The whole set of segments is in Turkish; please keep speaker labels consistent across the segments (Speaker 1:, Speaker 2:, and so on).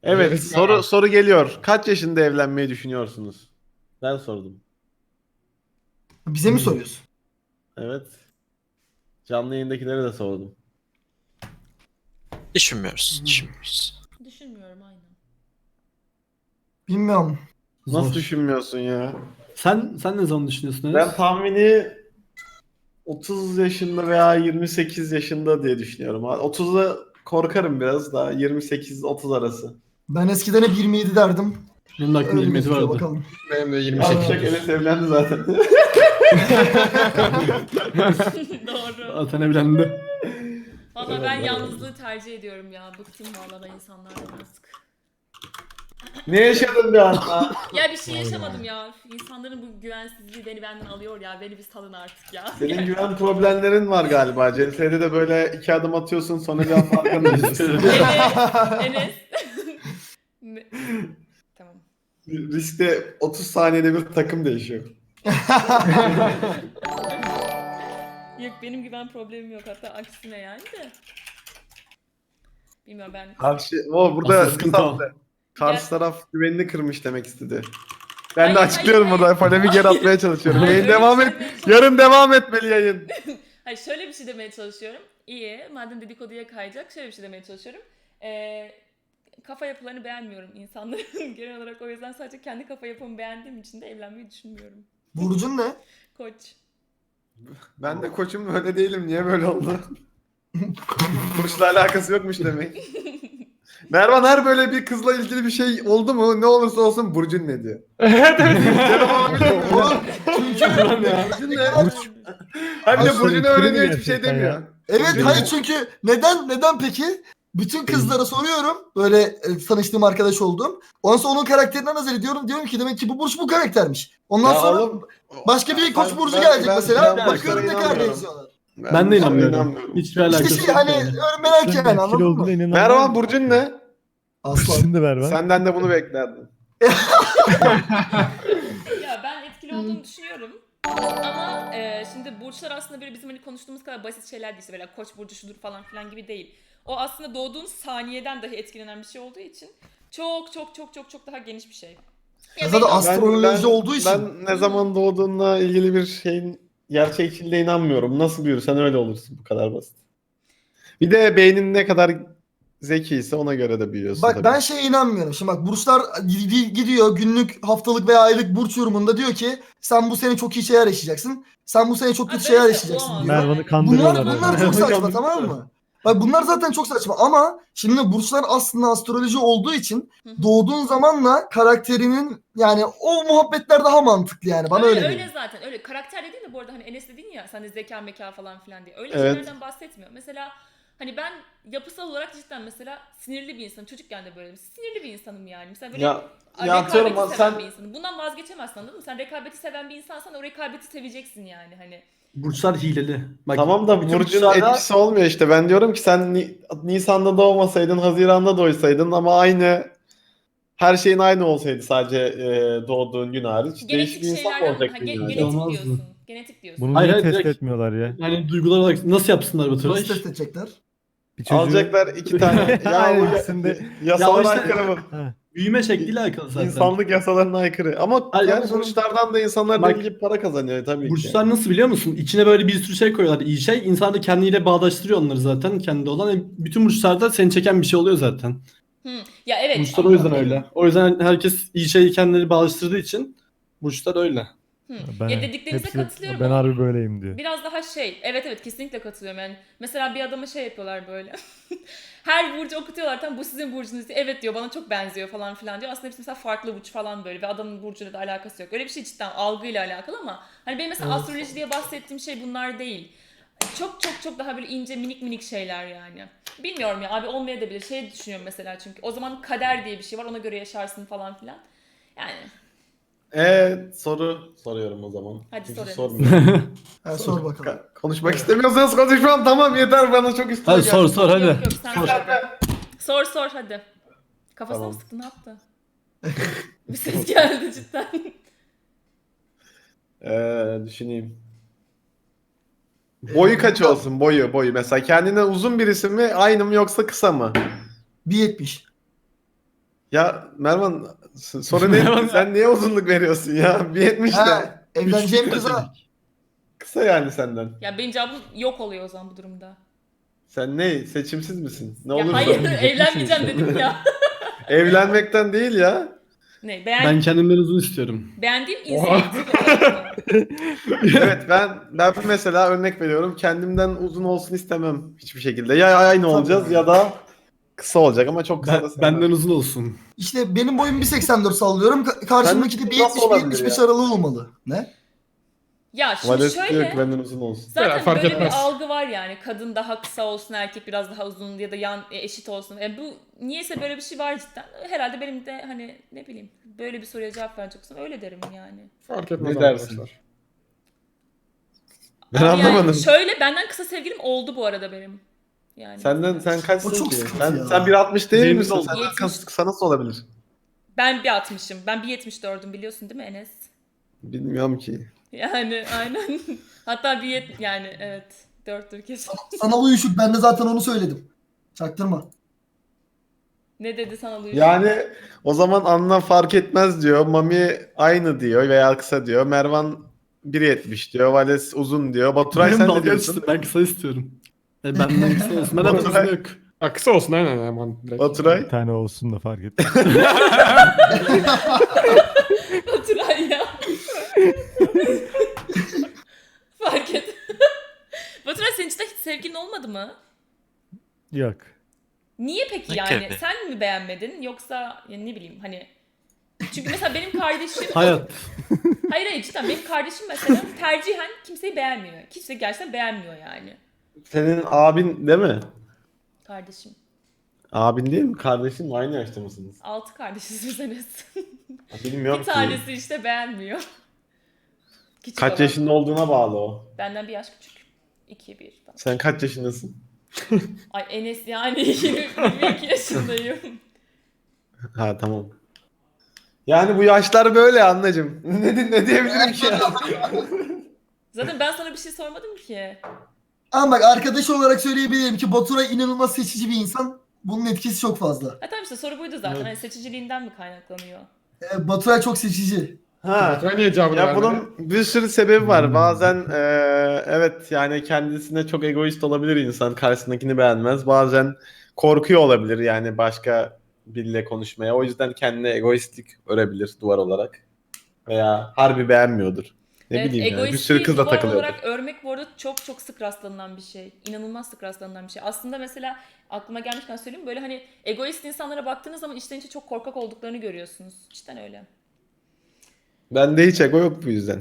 Speaker 1: Evet, soru geliyor. Kaç yaşında evlenmeyi düşünüyorsunuz? Ben sordum.
Speaker 2: Bize mi soruyorsun?
Speaker 1: Evet. Canlı yayındakilere de sordum.
Speaker 3: Düşünmüyoruz.
Speaker 4: Düşünmüyorum aynen.
Speaker 2: Bilmiyorum.
Speaker 1: Nasıl
Speaker 3: Zor.
Speaker 1: düşünmüyorsun ya?
Speaker 3: Sen ne zaman düşünüyorsun
Speaker 1: Ben
Speaker 3: Enes?
Speaker 1: tahmini 30 yaşında veya 28 yaşında diye düşünüyorum. 30'da korkarım biraz daha. 28-30 arası.
Speaker 2: Ben eskiden hep 27 derdim.
Speaker 3: Benim de aklımda
Speaker 2: Öyle
Speaker 3: 27
Speaker 2: gözüküyor
Speaker 3: vardı.
Speaker 2: bakalım.
Speaker 5: Benim de
Speaker 1: Yavşak
Speaker 5: 28.
Speaker 1: Enes evlendi zaten.
Speaker 4: Doğru.
Speaker 3: Zaten evlendi.
Speaker 4: Valla ben yalnızlığı tercih ediyorum ya. Bıktım valla ben insanlardan artık.
Speaker 1: Ne yaşadın bir anda?
Speaker 4: Ya bir şey yaşamadım ya. İnsanların bu güvensizliği beni benden alıyor ya. Beni bir salın artık ya.
Speaker 1: Senin güven problemlerin var galiba. CS'de de böyle 2 adım atıyorsun sonra bir anda arkana düşüyorsun.
Speaker 4: Enes. Ne- Tamam.
Speaker 1: Riskte 30 saniyede bir takım değişiyor.
Speaker 4: Yok benim güven problemim yok. Hatta aksine yani de. Bilmiyorum ben.
Speaker 1: Burada
Speaker 3: Asıl sıkıntı o.
Speaker 1: karşı taraf güvenini kırmış demek istedi. Ben de
Speaker 4: Hayır,
Speaker 1: açıklıyorum
Speaker 4: hayır,
Speaker 1: burada.
Speaker 4: hayır.
Speaker 1: Polemi geri atmaya çalışıyorum.
Speaker 4: Hayır,
Speaker 1: Yayın
Speaker 4: öyle
Speaker 1: devam
Speaker 4: bir
Speaker 1: et.
Speaker 4: şey demeye çalışıyorum.
Speaker 1: Yarın devam etmeli yayın.
Speaker 4: Hayır şöyle bir şey demeye çalışıyorum. İyi madem dedikoduya kayacak şöyle bir şey demeye çalışıyorum. Kafa yapılarını beğenmiyorum insanların genel olarak, o yüzden sadece kendi kafa yapımı beğendiğim için de evlenmeyi düşünmüyorum.
Speaker 2: Burcun ne?
Speaker 4: Koç.
Speaker 1: Ben de koçum öyle değilim. Niye böyle oldu? Burçla alakası yokmuş demek. Mervan her böyle bir kızla ilgili bir şey oldu mu ne olursa olsun Burcun ne diyor.
Speaker 5: Evet evet.
Speaker 2: Oğlum, çünkü
Speaker 1: Burcun ne? Hayır bir de Burcu'nu öğreniyor hiçbir şey demiyor.
Speaker 2: evet hayır çünkü neden peki? Bütün kızlara soruyorum. Böyle tanıştığım arkadaş olduğum. Ondan sonra onun karakterinden nazar ediyorum. Diyorum ki demek ki bu burç bu karaktermiş. Ondan
Speaker 1: Ya
Speaker 2: sonra
Speaker 1: oğlum,
Speaker 2: başka bir koç burcu
Speaker 1: ben-
Speaker 2: gelecek
Speaker 1: ben-
Speaker 2: mesela.
Speaker 1: ben
Speaker 2: Bakıyorum ne
Speaker 1: burçlara
Speaker 2: kadar
Speaker 1: inanmıyorum.
Speaker 2: benziyorlar.
Speaker 3: Ben de inanmıyorum. Hiçbir alakası
Speaker 2: İşte
Speaker 3: yok.
Speaker 2: şey hani
Speaker 3: yani.
Speaker 2: merak yani anladın mı?
Speaker 1: Mervan Burcun ne?
Speaker 2: Aslan.
Speaker 6: Şimdi Mervan.
Speaker 1: Senden de bunu beklerdim.
Speaker 4: Ya ben etkili olduğunu düşünüyorum. Ama şimdi burçlar aslında böyle bizim hani konuştuğumuz kadar basit şeyler değil. İşte böyle koç burcu şudur falan filan gibi değil. O aslında doğduğun saniyeden dahi etkilenen bir şey olduğu için çok daha geniş bir şey.
Speaker 2: Ya zaten
Speaker 4: benim-
Speaker 2: astroloji olduğu için.
Speaker 1: Ben ne zaman doğduğunla ilgili bir şeyin gerçekçiliğine inanmıyorum. Nasıl büyürsen öyle olursun. Bu kadar basit. Bir de beynin ne kadar zekiyse ona göre de büyüyorsun
Speaker 2: Bak
Speaker 1: tabii.
Speaker 2: ben şeye inanmıyorum. Şimdi bak burçlar gidiyor günlük, haftalık veya aylık burç yorumunda diyor ki sen bu sene çok iyi şeyler yaşayacaksın. Sen bu sene çok kötü
Speaker 4: Abi
Speaker 2: şeyler
Speaker 4: böyle
Speaker 2: yaşayacaksın
Speaker 4: olamaz.
Speaker 2: diyor.
Speaker 6: Mervan'ı kandırıyorlar.
Speaker 2: Bunlar çok saçma tamam mı? Bak bunlar zaten çok saçma ama şimdi burçlar aslında astroloji olduğu için
Speaker 4: Hı hı.
Speaker 2: doğduğun zamanla karakterinin yani o muhabbetler daha mantıklı yani bana öyle
Speaker 4: öyle
Speaker 2: geliyor.
Speaker 4: zaten öyle karakter dediğin de bu arada hani Enes dedin ya sen de zeka meka falan filan diye öyle
Speaker 1: Evet.
Speaker 4: şeylerden bahsetmiyor. Mesela hani ben yapısal olarak cidden mesela sinirli bir insanım. Çocukken de böyleydim. Sinirli bir insanım yani. Mesela böyle
Speaker 1: Ya
Speaker 4: rekabeti
Speaker 1: atıyorum
Speaker 4: seven
Speaker 1: sen
Speaker 4: bir insanım. Bundan vazgeçemezsin anladın mı? Sen rekabeti seven bir insansan o rekabeti seveceksin yani hani.
Speaker 3: Burçlar hileli. Bak,
Speaker 1: tamam da
Speaker 3: bütün
Speaker 1: Burcu'nun
Speaker 3: burçlarda-
Speaker 1: etkisi olmuyor işte. Ben diyorum ki sen Nisan'da doğmasaydın, Haziran'da doğsaydın ama aynı her şeyin aynı olsaydı sadece doğduğun gün hariç. Değişik
Speaker 4: Genetik
Speaker 1: bir insan mı
Speaker 4: şeylerden
Speaker 1: olacaktın yani?
Speaker 4: genetik
Speaker 3: Olmazdı.
Speaker 4: diyorsun. Genetik diyorsun.
Speaker 6: Bunu
Speaker 3: Hayır,
Speaker 6: niye
Speaker 3: hayır,
Speaker 6: test
Speaker 3: direkt-
Speaker 6: etmiyorlar ya?
Speaker 3: Yani duygular olarak nasıl yapsınlar bu
Speaker 2: Nasıl
Speaker 3: tıraş?
Speaker 2: test edecekler?
Speaker 6: Bir çocuğu...
Speaker 1: Alacaklar 2 tane. Ya
Speaker 6: Aynen,
Speaker 1: bu
Speaker 6: ikisinde-
Speaker 1: yasalara
Speaker 3: Ya işte-
Speaker 1: aykırı bu.
Speaker 6: Ha.
Speaker 3: Büyüme şekliyle alakalı zaten.
Speaker 1: İnsanlık yasalarına aykırı. Ama
Speaker 3: Hayır,
Speaker 1: yani
Speaker 3: ama canım-
Speaker 1: burçlardan da insanlar
Speaker 3: Bak-
Speaker 1: deli gibi para kazanıyor tabii ki.
Speaker 3: Burçlar nasıl biliyor musun? İçine böyle bir sürü şey koyuyorlar. İyi şey. İnsan da kendiyle bağdaştırıyor onları zaten. Kendi olan. Bütün burçlarda seni çeken bir şey oluyor zaten.
Speaker 4: Ya evet.
Speaker 3: Burçlar o yüzden öyle. O yüzden herkes iyi şeyi kendileri bağdaştırdığı için burçlar öyle.
Speaker 4: Ya dediklerinize katılıyorum
Speaker 6: Ben
Speaker 4: ama
Speaker 6: harbi böyleyim diyor.
Speaker 4: biraz daha evet kesinlikle katılıyorum yani. Mesela bir adama şey yapıyorlar böyle. Her burcu okutuyorlar tam bu sizin burcunuz diye. Evet diyor bana çok benziyor falan filan diyor. Aslında hepsi mesela farklı burç falan böyle ve adamın burcuyla da alakası yok. Öyle bir şey cidden algıyla alakalı ama hani benim mesela astroloji diye bahsettiğim şey bunlar değil. Çok daha böyle ince minik şeyler yani. Bilmiyorum ya abi olmayabilir. Şey düşünüyorum mesela çünkü o zaman kader diye bir şey var ona göre yaşarsın falan filan. Yani
Speaker 1: Soru soruyorum o zaman.
Speaker 4: Hadi
Speaker 1: Kimse
Speaker 4: sor Enes.
Speaker 1: sormuyor.
Speaker 2: Ha, sor bakalım.
Speaker 1: Konuşmak istemiyorsanız konuşmam tamam yeter bana çok üstüne
Speaker 3: Hadi
Speaker 1: geldi.
Speaker 3: sor hadi.
Speaker 4: Yok sen sor hadi. Kafasına
Speaker 1: Tamam.
Speaker 4: mı sıktı ne yaptı? Bir ses geldi cidden.
Speaker 1: Düşüneyim. Boyu kaç olsun boyu mesela kendinden uzun birisi mi aynı mı yoksa kısa mı?
Speaker 2: 1.70.
Speaker 1: Ya Mervan sorun değil. Sen niye uzunluk veriyorsun ya? 1.70 de.
Speaker 2: Ha, evleneceğim kıza.
Speaker 1: Kısa yani senden.
Speaker 4: Ya benim cevabım yok oluyor o zaman bu durumda.
Speaker 1: Sen ne? Seçimsiz misin? Ne
Speaker 4: Ya
Speaker 1: olursa.
Speaker 4: hayır
Speaker 6: olmayacak
Speaker 4: evlenmeyeceğim
Speaker 6: mısın?
Speaker 4: dedim ya.
Speaker 1: Evlenmekten değil ya.
Speaker 4: Ne
Speaker 3: Ben kendimden uzun istiyorum.
Speaker 4: beğendiğim insan tipi.
Speaker 1: Evet ben mesela örnek veriyorum. Kendimden uzun olsun istemem hiçbir şekilde. Ya aynı olacağız ya da kısa olacak ama çok kısa da sevmem.
Speaker 3: Benden uzun olsun.
Speaker 2: İşte benim boyum 1.84 sallıyorum. Karşımdaki de
Speaker 1: Sen nasıl olabilir
Speaker 2: 1.70-1.75
Speaker 1: ya?
Speaker 2: aralığı olmalı. Ne?
Speaker 4: Ya şimdi
Speaker 1: Vales diyor
Speaker 4: şöyle.
Speaker 1: ki benden uzun olsun.
Speaker 4: Zaten
Speaker 5: Fark
Speaker 4: böyle
Speaker 5: etmez.
Speaker 4: bir algı var yani. Kadın daha kısa olsun, erkek biraz daha uzun ya da eşit olsun. Bu niyeyse böyle bir şey var cidden. Herhalde benim de hani ne bileyim böyle bir soruya cevap verecek olsam öyle derim yani.
Speaker 5: Fark etmez
Speaker 1: Ne dersin?
Speaker 5: arkadaşlar.
Speaker 1: Ben
Speaker 4: Ama
Speaker 1: anlamadım.
Speaker 4: Yani şöyle benden kısa sevgilim oldu bu arada benim. Yani
Speaker 1: Sen
Speaker 2: O
Speaker 1: kaçsın
Speaker 2: çok
Speaker 1: ki?
Speaker 2: sıkıntı ya.
Speaker 1: Sen 1.60 değil
Speaker 3: Benim
Speaker 1: misin?
Speaker 3: de oldu.
Speaker 1: Senden
Speaker 4: 70.
Speaker 1: kısa nasıl olabilir?
Speaker 4: ben 1.60'ım. Ben 1.74'üm biliyorsun değil mi Enes?
Speaker 1: Bilmiyorum ki.
Speaker 4: Yani aynen. Hatta yani evet. 4'tür kesin.
Speaker 2: Sana uyuşuk. Ben de zaten onu söyledim. Çaktırma.
Speaker 4: Ne dedi sana Luis?
Speaker 1: Yani o zaman anlam fark etmez diyor. Mami aynı diyor veya kısa diyor. Mervan 1.70 diyor. Vales uzun diyor. Baturay
Speaker 3: Benim
Speaker 1: sen
Speaker 3: dalga
Speaker 1: ne diyorsun?
Speaker 3: geçtim. Ben kısa istiyorum. Benden kısa olsun. Benden uzun yok.
Speaker 5: Ha, kısa olsun aynen hemen direkt.
Speaker 1: Baturay.
Speaker 6: Bir tane olsun da fark etmez.
Speaker 4: Baturay ya. Fark et. Baturay senin için de hiç sevgilin olmadı mı?
Speaker 6: Yok.
Speaker 4: Niye peki
Speaker 7: Ne
Speaker 4: yani?
Speaker 7: gibi?
Speaker 4: Sen mi beğenmedin yoksa yani ne bileyim hani çünkü mesela benim kardeşim
Speaker 3: Hayat.
Speaker 4: hayır cidden benim kardeşim mesela tercihen kimseyi beğenmiyor. Kimse gerçekten beğenmiyor yani.
Speaker 1: Senin abin değil mi?
Speaker 4: Kardeşim.
Speaker 1: Abin değil mi? Kardeşin mi? Aynı yaşta mısınız?
Speaker 4: 6 kardeşiz biz Enes.
Speaker 1: Bilmiyorum
Speaker 4: Bir
Speaker 1: ki.
Speaker 4: tanesi işte beğenmiyor. Küçük
Speaker 1: Kaç
Speaker 4: olan.
Speaker 1: yaşında olduğuna bağlı o.
Speaker 4: Benden bir yaş küçük. 2-1 falan.
Speaker 1: Sen kaç yaşındasın?
Speaker 4: Ay Enes yani 22 yaşındayım.
Speaker 1: Ha tamam. Yani bu yaşlar böyle anneciğim. Ne diyebilirim ki ya?
Speaker 4: Zaten ben sana bir şey sormadım ki.
Speaker 2: Ama bak arkadaş olarak söyleyebilirim ki Baturay inanılmaz seçici bir insan. Bunun etkisi çok fazla.
Speaker 4: Ha tamam işte soru buydu zaten. Hani seçiciliğinden mi kaynaklanıyor?
Speaker 2: Baturay çok seçici.
Speaker 1: Ha.
Speaker 5: Baturay niye cevabını
Speaker 1: Ya
Speaker 5: vermedi?
Speaker 1: bunun bir sürü sebebi var. Bazen evet yani kendisine çok egoist olabilir insan. Karşısındakini beğenmez. Bazen korkuyor olabilir yani başka biriyle konuşmaya. O yüzden kendine egoistlik örebilir duvar olarak. Veya harbi beğenmiyordur. Ne
Speaker 4: Evet,
Speaker 1: bileyim yani. Bir
Speaker 4: egoistliği
Speaker 1: sürü kızla
Speaker 4: duvar
Speaker 1: takılıyordur.
Speaker 4: olarak örmek bu arada çok çok sık rastlanılan bir şey. İnanılmaz sık rastlanılan bir şey. Aslında mesela aklıma gelmişken söyleyeyim böyle hani egoist insanlara baktığınız zaman içten içe çok korkak olduklarını görüyorsunuz. Cidden öyle.
Speaker 1: Bende hiç ego yok bu yüzden.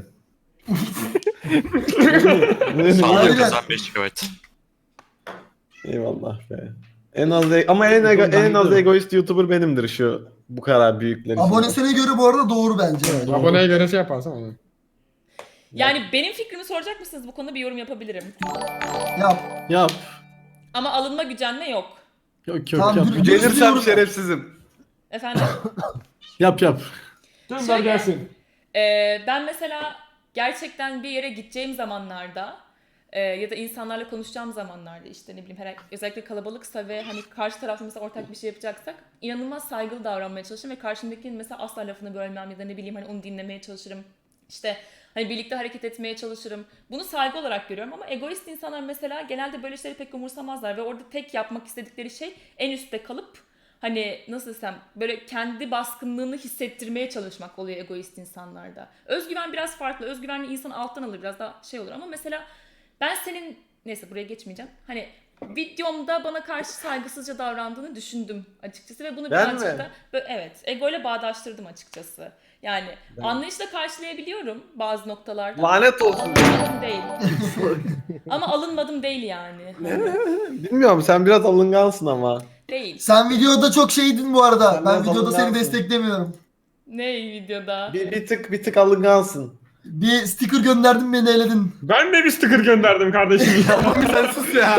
Speaker 7: Sağlık
Speaker 2: Aynen.
Speaker 7: kazan 5 GB.
Speaker 1: Eyvallah be. Ama en az egoist YouTuber benimdir şu bu kadar büyükler için.
Speaker 2: Abonesine göre bu arada doğru bence.
Speaker 5: Aboneye göre şey yaparsan onu.
Speaker 4: Yani benim fikrimi soracak mısınız bu konuda bir yorum yapabilirim.
Speaker 2: Yap.
Speaker 3: Yap.
Speaker 4: Ama alınma gücenme yok.
Speaker 3: Yok yok
Speaker 2: Tamam,
Speaker 3: yap.
Speaker 2: dur.
Speaker 1: Gelirsem şerefsizim.
Speaker 4: Efendim?
Speaker 3: Yap yap.
Speaker 5: Gönder
Speaker 4: Şöyle-
Speaker 5: gelsin.
Speaker 4: Ben mesela gerçekten bir yere gideceğim zamanlarda ya da insanlarla konuşacağım zamanlarda işte ne bileyim özellikle kalabalıksa ve hani karşı tarafta mesela ortak bir şey yapacaksak inanılmaz saygılı davranmaya çalışırım ve karşımdakinin mesela asla lafını bölmem ya da ne bileyim hani onu dinlemeye çalışırım. İşte hani birlikte hareket etmeye çalışırım. Bunu saygı olarak görüyorum ama egoist insanlar mesela genelde böyle şeyleri pek umursamazlar ve orada tek yapmak istedikleri şey en üstte kalıp hani nasıl desem böyle kendi baskınlığını hissettirmeye çalışmak oluyor egoist insanlarda. Özgüven biraz farklı. Özgüvenli insan alttan alır biraz daha şey olur ama mesela ben senin neyse buraya geçmeyeceğim. Hani videomda bana karşı saygısızca davrandığını düşündüm açıkçası ve bunu
Speaker 1: Ben
Speaker 4: birazcık
Speaker 1: mi?
Speaker 4: da evet egoyla bağdaştırdım açıkçası. Yani anlayışla karşılayabiliyorum bazı noktalarda.
Speaker 1: Lanet olsun.
Speaker 4: Alınmadım değil. Ama alınmadım değil yani.
Speaker 1: Bilmiyorum sen biraz alıngansın ama.
Speaker 4: Değil.
Speaker 2: Sen videoda çok şeydin bu arada.
Speaker 1: Sen
Speaker 2: Ben
Speaker 1: biraz
Speaker 2: videoda seni
Speaker 1: alıngansın.
Speaker 2: desteklemiyorum.
Speaker 4: Ne videoda?
Speaker 1: Bir tık alıngansın.
Speaker 2: Bir sticker gönderdin beni eledin.
Speaker 5: Ben de bir sticker gönderdim kardeşim.
Speaker 1: Mami sen sus ya.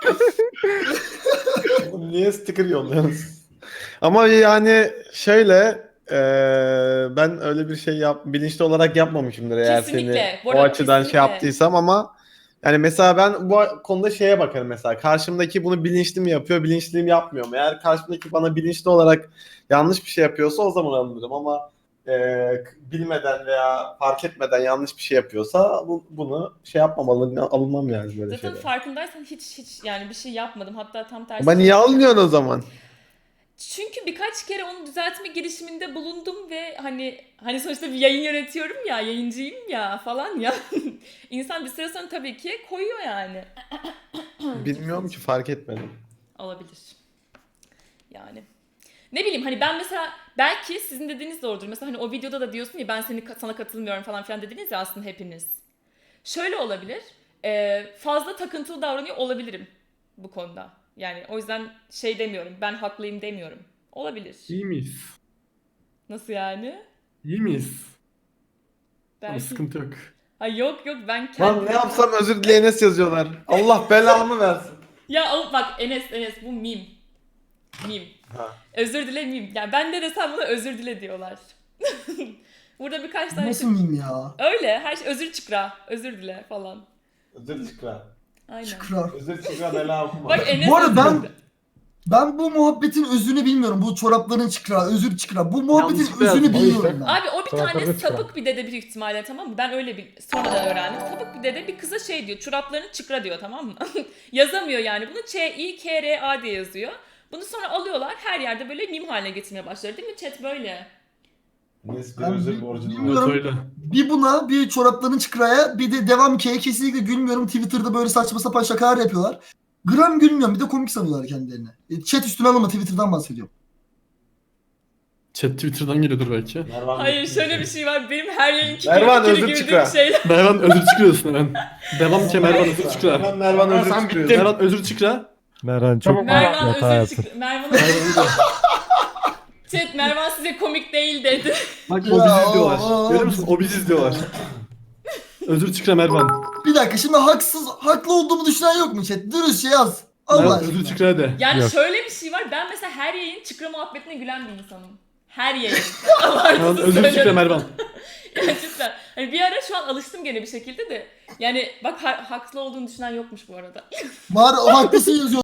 Speaker 1: Niye sticker yolluyorsun? Ama yani şöyle ben öyle bir şey bilinçli olarak yapmamışımdır eğer
Speaker 4: Kesinlikle.
Speaker 1: seni
Speaker 4: Bu
Speaker 1: o
Speaker 4: arada
Speaker 1: açıdan şey
Speaker 4: kesinlikle.
Speaker 1: yaptıysam ama Yani mesela ben bu konuda şeye bakarım mesela. Karşımdaki bunu bilinçli mi yapıyor, bilinçli mi yapmıyor mu? Eğer karşımdaki bana bilinçli olarak yanlış bir şey yapıyorsa o zaman alınırım ama bilmeden veya fark etmeden yanlış bir şey yapıyorsa bunu şey yapmamalı, alınmam yani böyle
Speaker 4: Zaten
Speaker 1: şeyler.
Speaker 4: farkındaysan hiç yani bir şey yapmadım. Hatta tam tersi.
Speaker 1: Ama niye alınıyorsun o zaman?
Speaker 4: Çünkü birkaç kere onu düzeltme girişiminde bulundum ve hani sonuçta bir yayın yönetiyorum ya, yayıncıyım ya falan ya. İnsan bir süre sonra tabii ki koyuyor yani.
Speaker 1: Bilmiyorum ki, fark etmedim.
Speaker 4: Olabilir. Yani. Ne bileyim hani ben mesela belki sizin dediğiniz doğrudur. Mesela hani o videoda da diyorsun ya ben sana katılmıyorum falan filan dediniz ya aslında hepiniz. Şöyle olabilir. Fazla takıntılı davranıyor olabilirim bu konuda. Yani o yüzden şey demiyorum. Ben haklıyım demiyorum. Olabilir.
Speaker 3: İyi miyiz?
Speaker 4: Nasıl yani?
Speaker 3: İyi miyiz? Ama
Speaker 4: Belki.
Speaker 3: sıkıntı yok.
Speaker 4: Ha yok ben
Speaker 1: Lan
Speaker 4: kendim.
Speaker 1: ne yapsam özür dileyeniz yazıyorlar. Allah belamı versin.
Speaker 4: Ya bak Enes bu meme. Meme.
Speaker 1: Ha.
Speaker 4: Özür dile meme. Yani ben de desem buna özür dile diyorlar. Burada birkaç tane
Speaker 2: Nasıl miyim ya?
Speaker 4: öyle her şey özür çıkra. Özür dile falan.
Speaker 1: Özür çıkra.
Speaker 4: Aynen.
Speaker 2: Şükran.
Speaker 1: Özür çıkra bela okuma.
Speaker 4: Bak Enes
Speaker 2: Bu arada
Speaker 4: özür dile.
Speaker 2: ben bu muhabbetin özünü bilmiyorum. Bu çorapların çıkra, özür çıkra. Bu muhabbetin
Speaker 3: Yanlışlıkla
Speaker 2: özünü
Speaker 3: yazdım.
Speaker 2: bilmiyorum ben.
Speaker 4: Abi o bir tane
Speaker 5: Çoraplarını çıkar.
Speaker 4: sapık bir dede büyük ihtimalle, tamam mı? Ben öyle bir sonradan öğrendim. Sapık bir dede bir kıza şey diyor. Çoraplarını çıkra diyor, tamam mı? Yazamıyor yani bunu. Ç-I-K-R-A diye yazıyor. Bunu sonra alıyorlar her yerde böyle meme haline getirmeye başladı değil mi? Chat böyle.
Speaker 1: Neyse bir
Speaker 2: Ben
Speaker 1: özür
Speaker 2: bil-
Speaker 1: borcum var.
Speaker 2: bilmiyorum.
Speaker 3: Evet öyle.
Speaker 2: Bir buna, bir çorapların çıkraya, bir de devam K'ye kesinlikle gülmüyorum. Twitter'da böyle saçma sapan şakalar yapıyorlar. Gram gülmüyorum. Bir de komik sanıyorlar kendilerini. Chat üstüne alınma, Twitter'dan bahsediyorum.
Speaker 3: Chat Twitter'dan geliyordur belki.
Speaker 1: Mervan
Speaker 4: Hayır şöyle bir şey var. Benim her yayınki
Speaker 1: Mervan, özür
Speaker 4: güldüğüm
Speaker 1: çıkra.
Speaker 4: şeyler.
Speaker 3: Mervan özür çıkıyorsun hemen. Devam ki Mervan özür çıkıyor.
Speaker 1: Hemen Mervan özür
Speaker 5: Sen
Speaker 1: çıkıyor.
Speaker 5: bittin.
Speaker 3: Mervan özür çıkra.
Speaker 6: Merhan çok
Speaker 5: Tamam,
Speaker 4: Mervan
Speaker 6: hata
Speaker 4: özür
Speaker 6: yaptın.
Speaker 4: çıkra. Mervan
Speaker 3: Mervan
Speaker 4: Chat Mervan size komik değil dedi.
Speaker 3: Bak o bizi izliyorlar.
Speaker 2: aa.
Speaker 3: Görüyor musun? O bizi izliyorlar. Özür çıkra Mervan.
Speaker 2: Bir dakika, şimdi haklı olduğumu düşünen yok mu chat? Dürüstçe yaz. Allah
Speaker 3: Mervan
Speaker 2: aşkına.
Speaker 3: özür çıkra de.
Speaker 4: Yani
Speaker 6: Yok.
Speaker 4: şöyle bir şey var. Ben mesela her yayın çıkra muhabbetine gülen bir insanım. Her yayın.
Speaker 3: Mervan
Speaker 4: Abartısız
Speaker 3: özür çıkra
Speaker 4: söylüyorum.
Speaker 3: Mervan.
Speaker 4: Yani cidden. Hani bir ara şu an alıştım gene bir şekilde de. Yani bak haklı olduğunu düşünen yokmuş bu arada.
Speaker 2: Var, haklısın yazıyor.